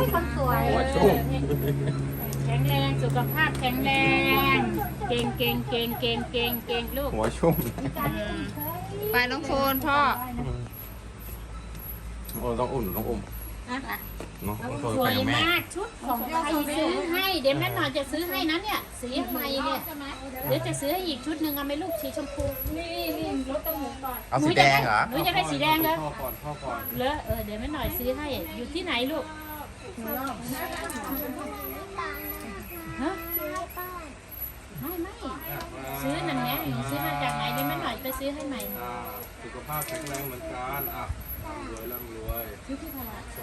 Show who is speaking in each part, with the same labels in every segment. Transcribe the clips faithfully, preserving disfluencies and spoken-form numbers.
Speaker 1: คนสวย
Speaker 2: หัวชุ่ม
Speaker 3: แข็งแรงสุขภาพแข็งแรงเก่งเก่งเก่งเก่งเก่งเก่งลูก
Speaker 2: หัวชุ่ม
Speaker 4: ไปน้องโฟนพ่อ
Speaker 2: โอ้ต้องอุ่นต้องอุ่มเนาะต้อง
Speaker 3: ส
Speaker 2: ไป
Speaker 3: วย
Speaker 2: กับแม่
Speaker 3: มากชุดของใครซื้อให้เดี๋ยวแม่หน่อยจะซื้อให้นะเนี่ยสีใหม่เนี่ยเดี๋ยวจะซื้อให้อีกชุดหนึ่งเอาไหมลูกสีชมพูนี่นี่รถต้องหมูก่อน
Speaker 2: เอาสีแดงเหรอ
Speaker 3: หนูจะได้สีแดงเหรอ
Speaker 2: พ่อก่อนพ่อก่อน
Speaker 3: เลอะเออเดี๋ยวแม่หน่อยซื้อให้อยู่ที่ไหนลูกฮะไม่ไม่ซื้อนั่นไงซื้อมาจากไหนเดี๋ยวแม่หน่อยไปซื้อให้ใหม่
Speaker 2: อ่าสุขภาพแข็งแรงเหมือนกันอ่ะร่ำรวยร่ำรวย
Speaker 3: ซื้อที่ตลาด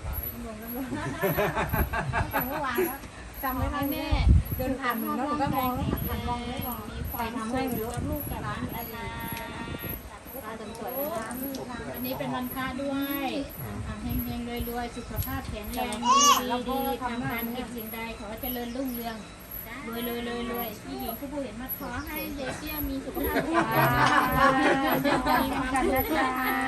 Speaker 1: เมื่อวานแล้วจำไว้นะแม่เดินผ่านหนูแล้วหนูก็มองแล้วหันมองไม่มองไปทำให้หนูลูกกับร้านอะไรร้านสวยๆร้าน
Speaker 3: อันนี้เป็นวันพระด้วยเฮงเฮงรวยรวยสุขภาพแข็งแรงดีดีทำการกิจสิ่งใดขอเจริญรุ่งเรืองรวยรวยรวยรวยพี่หญิงผู้เห็นมาขอให้เด็กเตี้ยมีสุขภาพแข็งแรงมีความสุขนะ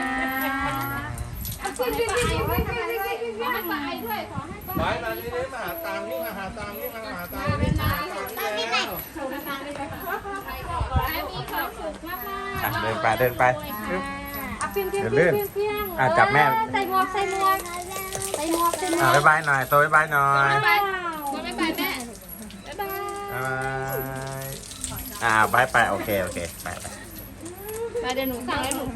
Speaker 3: ขอให้ไปให้ไปด้วยขอให้ไป
Speaker 2: ไปมานี่นี่มาหาตังค์นี่มาหาตังค์นี่มาหาตังค์นี่มาหาตังค์นี่แล้ว
Speaker 3: ขอให้มีความสุขมาก
Speaker 2: อ่ะเดินไปเดินไป
Speaker 1: อ่ะเพียงเพียง
Speaker 2: เดี๋ยว
Speaker 1: เพี
Speaker 2: ลื่
Speaker 1: ยง
Speaker 2: น
Speaker 1: เพียง
Speaker 2: อ่ะจับแม่
Speaker 1: ใส่หมวกใส่หมวกใส่หมวกใส่หมว
Speaker 2: อ่ะ
Speaker 1: ก
Speaker 2: บ๊ายบายหน่อยโตบ๊ายบายหน่อย
Speaker 4: ไปคนไม่ไปแม่
Speaker 1: บ๊ายบาย
Speaker 2: บ๊ายบายอ่าบายไปโอเคโอเคไปไป
Speaker 4: ไปเดี๋ยวหนูสั่งให้หนู